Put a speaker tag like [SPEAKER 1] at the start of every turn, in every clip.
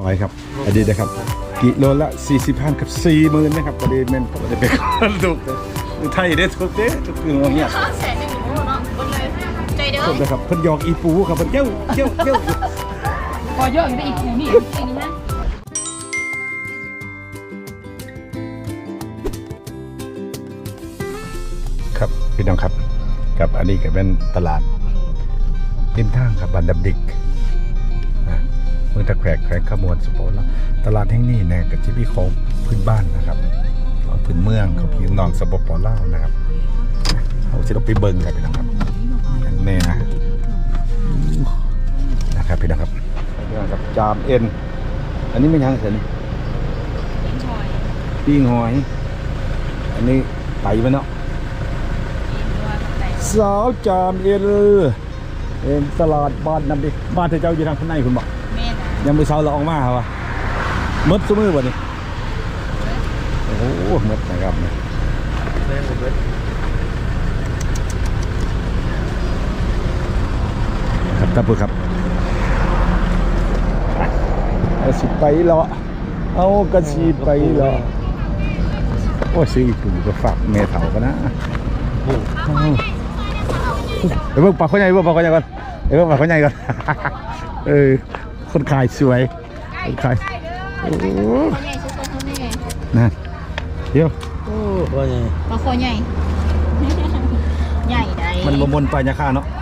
[SPEAKER 1] หอยครับอดีตนะครับกิโลละ40,000กับ40,000นะครับประเด็นมันประเด็นเป็นคนถูกไทยได้ถูกเด้ถูกคือว่าเนี่ย
[SPEAKER 2] แสนหนึ่งเนาะบนเลยใจเด้อ
[SPEAKER 1] ถูกนะครับเพิ่นหยอกอีปูครับเพิ่นเย้า
[SPEAKER 2] พอเยอะอยู่ได้อีกคูนี่อีกนี่
[SPEAKER 1] นะครับพี่น้องครับกับอันนี้ก็เป็นตลาดริมทางครับบ้านดับดิกเมืองตะแขวงขมวนสุโขทัยตลาดแห่งนี้เนี่ยก็จะมีของพื้นบ้านนะครับของพื้นเมืองของพี่น้องสปปลาวนะครับเอาสิเราไปเบิ่งกันพี่น้องครับอย่างแน่นะครับพี่น้องครับพี่น้องครับจามเอ็นอันนี้ไม่ยังเสร็จนี่ปิ้งหอยอันนี้ไต่มันเนาะสาวจามเอ็นตลาดบ้านน้ำดิบ้านเธอเจ้าอยู่ทางข้างในคุณบอกยังไม่เช้าเราออกมาเหรอวะมดซุ้มือบ่นี่โอ้โหมดนะครับเนี่ยครับท่านผู้ครับเอาสิไปเหรอเอากระสีไปเหรอโอ้ซื้ออีกปุ่มก็ฝากเมถากันนะเดี๋ยวเพิ่งปากเขาใหญ่ก่อนคนขายสวยคนขายโอ้นั่นเดี๋ยว
[SPEAKER 2] โอ้ปลาคอใหญ่ใหญ่ได้
[SPEAKER 1] มันบมนไปยาค่าเนาะ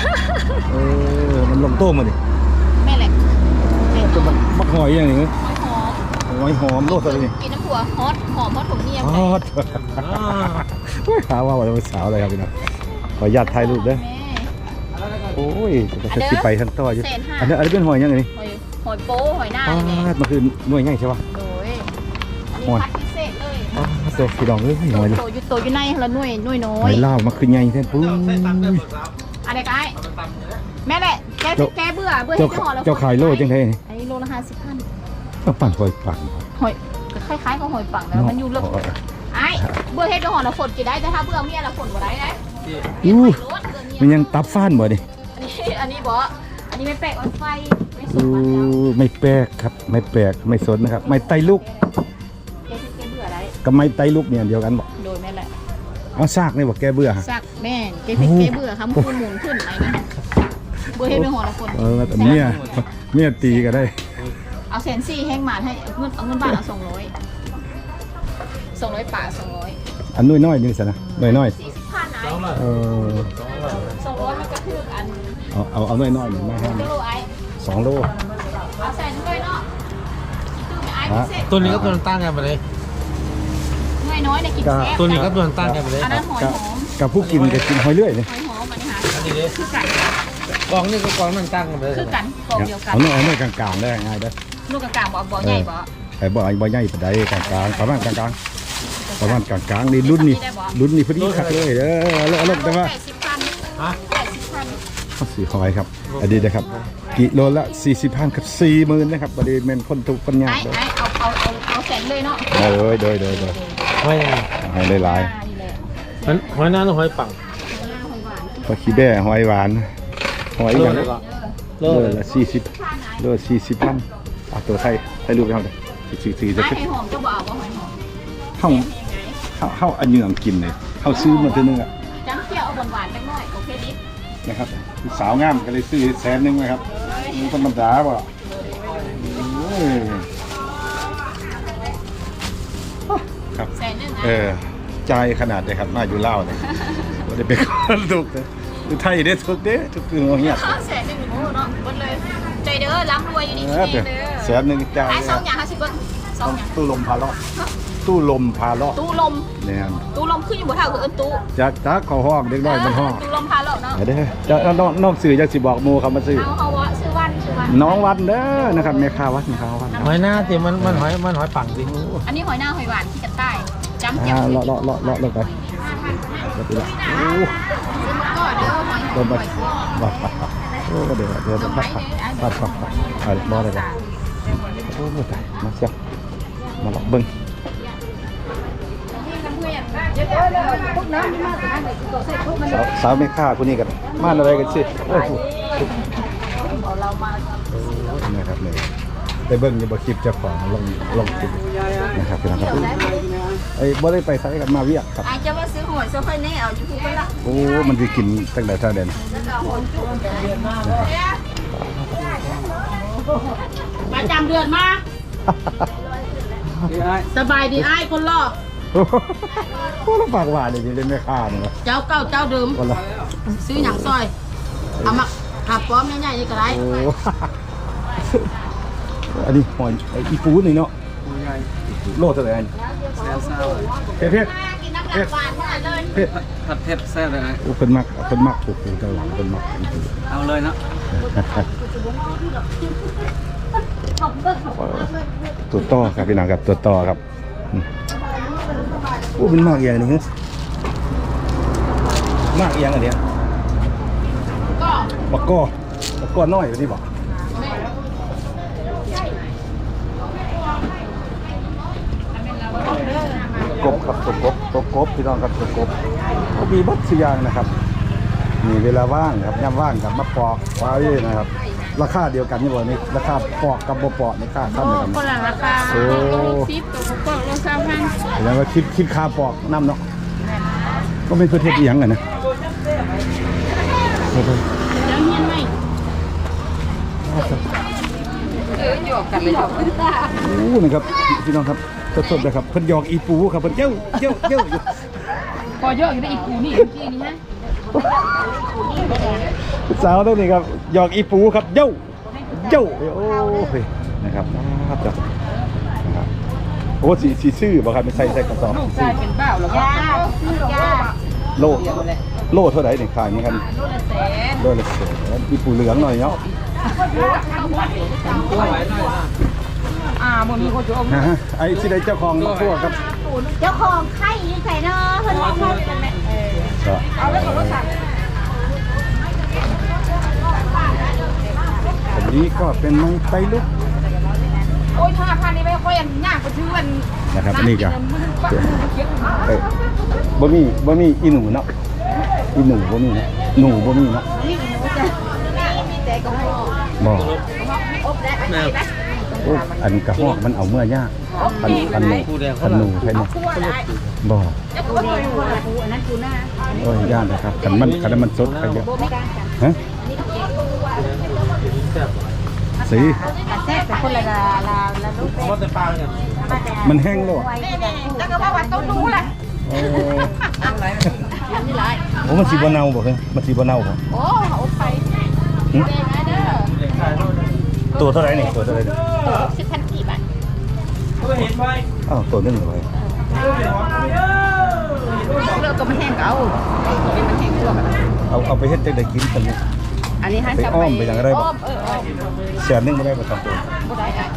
[SPEAKER 1] มันลงโต้งมาดิ
[SPEAKER 2] แม่แหละ
[SPEAKER 1] จะมักหอยอย่างนี้หอยหอมโลดอะไรนี่
[SPEAKER 2] กินน้ำผัวฮอตหอมฮอตถุงเนียม
[SPEAKER 1] ฮอตหาว่าเราเป็นสาวอะไรครับพี่น้องขออนุญาตถ่ายรูปด้วยโอ้ยจะคิดไปทั้งตัวอยู่อันนี้เป็นหอยยังไง
[SPEAKER 2] หอยโป้หอยหน้า
[SPEAKER 1] เนี่ยมันคือหน่วยง่ายใช่ป่ะ
[SPEAKER 2] โดยอันนี้พัดพิเศษเลย
[SPEAKER 1] ตัวพี่ดองเลยหอยเลย
[SPEAKER 2] โตอยู่ในละหน่วยน้อย
[SPEAKER 1] หอยเล่ามันคือใหญ่แท้ปุ้ย
[SPEAKER 2] อะไรกันแม่แหละแกเบื่อให้เจ้าหอยแล้ว
[SPEAKER 1] เจ้าขายโลจังไง
[SPEAKER 2] อันนี้โลละ50,000
[SPEAKER 1] ต้องปั่นหอยปัง
[SPEAKER 2] หอยคล้ายๆกับหอยปังแล้วมันอยู่ลึกไอ้เบื่อให้เจ้าหอยแล้วฝนกี่ได้แต่ถ้าเบื่อเมียแล้วฝนบ่ได้นะ
[SPEAKER 1] มันยังตับฟ้านบ่ดิ
[SPEAKER 2] อันนี้บ่อันนี้ไม่แปลกออนไฟ
[SPEAKER 1] ไม่แปลกครับไม่แปลกไม่สนนะครับไม่ไตลูกกับไม่ไตลูกเนี่ยเดียวกันบอก
[SPEAKER 2] โดยแม่แหละ
[SPEAKER 1] เอาซากนี่บอกแกเบื่อ
[SPEAKER 2] ซากแม่แกเบื่อครับมันหมุนขึ้นไหนนะเบื่อให้เป็นหัวละคน
[SPEAKER 1] แต่เมียตีก็ได้
[SPEAKER 2] เอา140,000แห้งหมาให้เอาเงินบาทเอา200ป่า200
[SPEAKER 1] อันน้อยๆนี่สินะน้อย
[SPEAKER 2] 40,000ไหน200มันก็คืออัน
[SPEAKER 1] เอาน้อยๆหนึ่งมาให้2 โล
[SPEAKER 2] เอาใส่ด้วยเนาะ
[SPEAKER 3] ตัวนี้ก็ตัวตั้งกันไปเลย
[SPEAKER 2] น้อยในกินแซ่บ
[SPEAKER 3] ตัวนี้ก็ตัวตั้งกันไปเลย
[SPEAKER 2] อันนั้นหอยหอม
[SPEAKER 1] กับผู้กินก็กินหอยเลื่อยเลย
[SPEAKER 2] หอยหอมมันหาอันนี้เลยคือกัน
[SPEAKER 3] กองนี่ก็กองมันตั้งกันไปเลย
[SPEAKER 2] คือกันกองเดียวกัน
[SPEAKER 1] เอาน้อยกลางๆได้ง่ายได้
[SPEAKER 2] ลูกกลางบ่ใหญ่บ่
[SPEAKER 1] ไอ้บ่ใหญ่ปานใดกลางๆประมาณกลางๆนี่รุ่นนี้พอดีคักเลยเด้อแล้วแต่ว่า80,000สีหอยครับอดีตนะครับกิโลละ40,000กับ40,000นะครับประเด็นเป็นคนถูกคนยาก
[SPEAKER 2] เลยเอาแสนเลยเนาะ
[SPEAKER 1] โดยให้หลาย
[SPEAKER 3] หอยหน้าหรือหอยปัง
[SPEAKER 1] ปลาขี้แบ่หอยหวานหอยอย่างโลละ40 40,000ตัวไทยรูปไปเอาเลย44จะ
[SPEAKER 2] หอยหอมจะบอกว่าหอยหอม
[SPEAKER 1] เข้าอันเหยื่อกินเลยเข้าซื้อมาทีนึงอ่ะ
[SPEAKER 2] จังเที่ยวเอาหวานๆจังหน่อยโอเคดิ
[SPEAKER 1] นะครับสาวงามก็เลยซื้อ100,000นะครับมันธรรมดาป่ะครับใจขนาดเลยครับมาอยู่เล่าเลยว่าได้เป็นคนถูกเลยไทยได้ถูกเด้ถูกคือเงี้ย
[SPEAKER 2] 100,000เนาะบนเลยใจเด้อร่ำรวยอยู่นี่
[SPEAKER 1] เด้อ100,000ใจ
[SPEAKER 2] 2อย่าง50 บาท2อย่าง
[SPEAKER 1] ตู้ลมพาเลาะเนี่ย
[SPEAKER 2] ตู้ลมขึ้นอยู่บนเท้าคือตู้
[SPEAKER 1] จะขอห้องเด็กน้อยมันห้อง
[SPEAKER 2] ตู้ลมพาเลาะเนาะ
[SPEAKER 1] เด้อจะนอกสื่อจะสิบอกมูคำมาซื้อ
[SPEAKER 2] เอาวะซื้อวัน
[SPEAKER 1] น้องวันเด้อนะครับแม่ค้าวัด
[SPEAKER 3] หอยหน้าสิมันหอยปังสิ
[SPEAKER 2] อันนี้หอยหน้าหอยหวานที่จะใต้จำเจียว
[SPEAKER 1] เลาะไปโอ้ลมไปโอ้เดี๋ยวปัดบ่ได้กันโอ้ตายมาเชียวมาหลอกเบิ้งสาวไม่ฆ่าคนนี้กันมาอะไรกันสิโอ้โหนะครับเลยได้เบิ่งอยู่บ่คลิปเจ้าของลงคลิปนะครับพี่น้องครับไอ้บ่ได้ไปไสกันมาเวียกครับ
[SPEAKER 2] อาจจะว่าซื้อหอยซื้อค่อยแน่เอาอยู่ที่กันละ
[SPEAKER 1] โอ้มันสิกินตั้งแต่เท่าเด่น
[SPEAKER 2] แล้วก็หอยจุ่มประจำเดือนมาสบายดีไอ้คนรอ
[SPEAKER 1] โอ้โหแล้วปากหวานนี่เล่นแม่ค้านี่นะ
[SPEAKER 2] เจ้าเก่าเจ้าเดิม
[SPEAKER 1] คนละ
[SPEAKER 2] ซื้อหนังซอยเอามาหับป้อมใหญ่ๆนี่ก็ได้
[SPEAKER 1] โอ้อันนี้หอยไอ้อีปูนี่เนาะโลเท่าไหร่อันเผ็ด
[SPEAKER 2] กินน้ำหนักหวานเท่าไหร่เลย
[SPEAKER 1] เผ็ด
[SPEAKER 3] ผัดเผ็ดแซ่บเลยนะ
[SPEAKER 1] โอ้เพิ่นมักปูเจ้าหลังเพิ่นมักอีปู
[SPEAKER 3] เอาเลยเนาะ
[SPEAKER 1] ตัวต่อครับพี่น้องครับตัวต่อครับโอ้เป็นมากอย่างนี้มากอย่างอันเนี้ย
[SPEAKER 2] ก็
[SPEAKER 1] บักก้อน้อยแบบนี้บอกกบครับตัวกบพี่น้องครับตัวกบก็มีบัตรสุยางนะครับมีเวลาว่างครับย่ำว่างกับมาปอกไว้นะครับราคาเดียวกันนี่บ่นี่ราคาปอกกับบ่ปอกนี่ค่าเท่ากัน
[SPEAKER 2] คนละราคา
[SPEAKER 1] โอ้
[SPEAKER 2] ซิปตัวก็โลซาพัน
[SPEAKER 1] แสดงว่าคิดค่าปอกน้ำเนาะก็เป็นประเทศอีหยังกันนะ
[SPEAKER 2] แล้วเฮียนไหมหยอกกันเลยหยอก
[SPEAKER 1] โอ้นะครับพี่น้องครับสดๆเลยครับเพิ่นหยอกอีปูครับเพิ่นเจ้าอยู่
[SPEAKER 2] พอเยอะอยู่ได้อีกกูนี่เมื่อกี้นี่ฮะ
[SPEAKER 1] สาวตัวนี้ครับหยอกอีปูครับเจ้าโอ้ยนะครับครับโอ้สีซื่อบ่ครับไม่ใส่กระสอบ
[SPEAKER 2] ลูกชายเป็นบ้าหรอยา
[SPEAKER 1] โลเท่าไหร่นี่ขายนี่ครับ
[SPEAKER 2] โลละแสน
[SPEAKER 1] โลละแสนอีปูเหลืองหน่อยเนาะ
[SPEAKER 2] มันมีคนจะอม
[SPEAKER 1] ฮะไอ้ที่ได้เจ้าของพวกครับ
[SPEAKER 4] เจ้าของไข่ยืนใส่เนาะเพิ่นว่าเพิ่นเป็นแม่
[SPEAKER 1] ก็
[SPEAKER 2] เอาแล้วก็รถสั่ง
[SPEAKER 1] อันนี้ก็เป็นไม้ไฟลุก
[SPEAKER 2] โอ้ย5,000นี่ไม่ค่อยอันยากกว่าชื่อวัน
[SPEAKER 1] นะครับอันนี้ก็บ่มีอีหนูเนาะอีหนูบ่มีเนาะหนูบ่มีเนาะ
[SPEAKER 2] นี่หนูจะมีแต่กระหอก
[SPEAKER 1] บ่
[SPEAKER 2] อบได้ไหม
[SPEAKER 1] โอ้อันกระหอกมันเอาเมื่อยากอันหนูใช่ไหม
[SPEAKER 2] คั่วได้
[SPEAKER 1] บ่
[SPEAKER 2] จะคั่วเลยคั่วอันนั้นกูหน้า
[SPEAKER 1] โอ้ยยากนะครับคันมันสดไปเยอะ
[SPEAKER 2] โบไม่กันกัน
[SPEAKER 1] ฮะสี
[SPEAKER 2] แซ่บแต่คนละลูก
[SPEAKER 3] มันจะปางเนี่ย
[SPEAKER 1] มันแห้งแล้ว
[SPEAKER 2] แล้วก็ว่าต้องรู้แหละ
[SPEAKER 1] โอ้
[SPEAKER 2] นี่ไร
[SPEAKER 1] โอ้มันสีบ่เน่าบ่เฮ้ยมันสีบ่เน่าบ่
[SPEAKER 2] โอ้อบไปเด้งเด้อ
[SPEAKER 1] ตัวเท่าไหร่นี่ตัวเท่าไหร่นี่
[SPEAKER 2] 10,000กี่บาท
[SPEAKER 3] เห็นไหม
[SPEAKER 1] อ้าวตัวนึงเลย
[SPEAKER 2] เลิกก็มันแห้งเก่าเป็นมันแห้งตัว
[SPEAKER 1] เอาไปเฮ็ดจังได๋กินกันนี่
[SPEAKER 2] อันนี้ให้จับ
[SPEAKER 1] ไปอ้อมไปอย่างไรบ่
[SPEAKER 2] อ้อมอ้อม
[SPEAKER 1] แสนนึงบ่ได้บ่ตามตัว
[SPEAKER 2] บ่ได้อ่ะ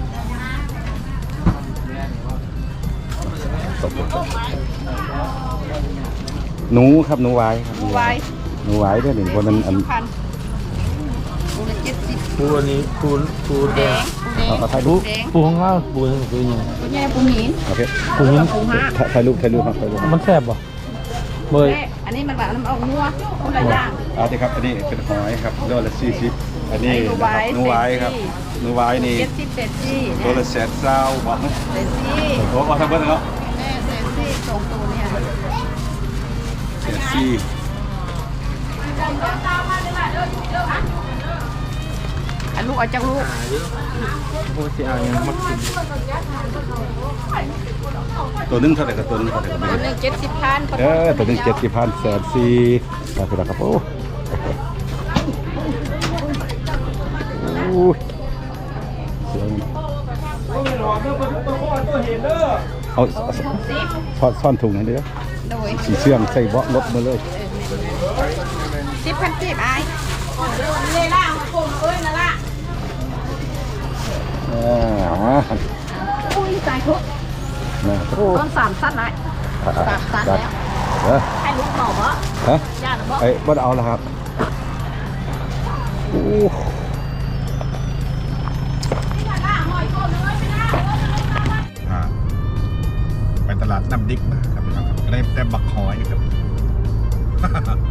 [SPEAKER 1] หนูครับหนูไว้ครับ
[SPEAKER 2] ไว้
[SPEAKER 1] หนูไว้เด้อนี่บ่นั้นอัน
[SPEAKER 2] พันปูละ70
[SPEAKER 3] ปูอันนี้ปูแดง
[SPEAKER 1] เอาถ่ายรูป
[SPEAKER 2] แดง
[SPEAKER 3] ปูของเราปูยังปูยัง
[SPEAKER 2] ปูใหญ่ปูหิน
[SPEAKER 1] โอเค
[SPEAKER 3] ปูหิน
[SPEAKER 2] ปูห้า
[SPEAKER 1] ถ่ายรูปครับถ่ายรูป
[SPEAKER 3] มันแซ่บป่ะเบย
[SPEAKER 2] อันนี้มันแบบน้ำเอางัวคนละอย่าง
[SPEAKER 1] เอาสิครับอันนี้เป็นหอยครับโลละ40อันนี้
[SPEAKER 2] หนูไว้
[SPEAKER 1] ครับหนูไว้นี่
[SPEAKER 2] 70 80
[SPEAKER 1] โลละ120บ่โอ้เอาทั้งเบิดเนาะ
[SPEAKER 2] แม่เซซี่สองตัวเนี่ย
[SPEAKER 1] 140
[SPEAKER 2] อันลูกเอาจากลูก
[SPEAKER 3] ปูจะเอายังมักกิน
[SPEAKER 1] ตัวนึงเท่าไหร่กับตัวนึงเท่าไหร่กับ
[SPEAKER 2] ตัวหนึ่ง70,000
[SPEAKER 1] ตัวนึง70,000 140ครับพี่ครับโอ้ยเอาซ่อนถุงให้เด้อ
[SPEAKER 2] โดย
[SPEAKER 1] สีเชื่องใส่เบาะรถมาเลย
[SPEAKER 2] 10,000 ไอ้เลยล่ะโกงเอ้ยนั่นล่ะอุ้ยตายทุก
[SPEAKER 1] นะโอ้
[SPEAKER 2] ต้น3สั้นเลย3สั้นแล้ว ให้ลูกหน่อบ่
[SPEAKER 1] ฮะ
[SPEAKER 2] ย่านบ่
[SPEAKER 1] ไอ้บ้านเอาแล้วครับโอ้ไปตลาดน้ำดิกมาครับก็ได้แต่บักหอยครับ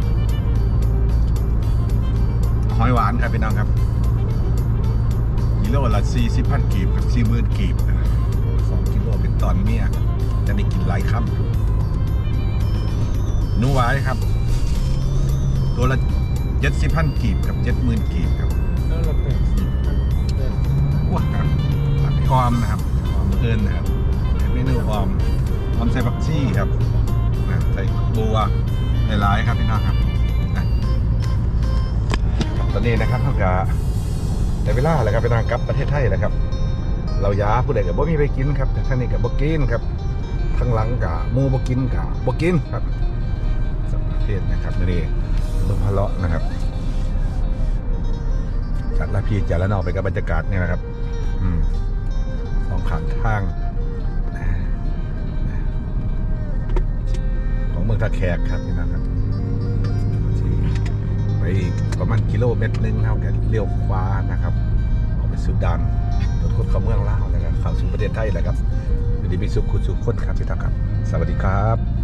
[SPEAKER 1] หอยหวานครับพี่น้องครับอย่าลืมโลละ40,000 กีบกับ40,000 กีบ2 กิโลเป็นตอนเมียจะได้กินหลายคำนูหวายครับ ตัวละ70,000 กีบกับ70,000 กีบครับ
[SPEAKER 3] แล้วเราเป็น
[SPEAKER 1] ว้าครับผัดออมนะครับออมเอิญนะครับเป็นเมนูออมใส่ผักชีครับนะใส่บัวหลายๆครับพี่น้องครับนะตอนนี้นะครับเท่ากับในเวลาแล้วครับพี่น้องกลับประเทศไทยแล้วครับ เราย้าผู้ใดกับบ่มีไปกินครับแต่ท่านนี้กับบ่กินครับทั้งหลังกับมูบ่กินกับบ่กินครับสัประเทศนะครับนี่ลงพะเลาะนะครับจากละพีจากละนอกไปกับบรรยากาศเนี่ยนะครับสองข้างทางของเมืองท่าแขกครับพี่น้องครับไปอีกประมาณกิโลเมตรนึงเท่ากันเลี้ยวขวานะครับออกไปสุดานรถคนเข้าเมืองลาวนะครับเข้าสู่ประเทศไทยแล้วครับอยู่ดีมีสุขคุณสุขคนครับพี่น้องครับสวัสดีครับ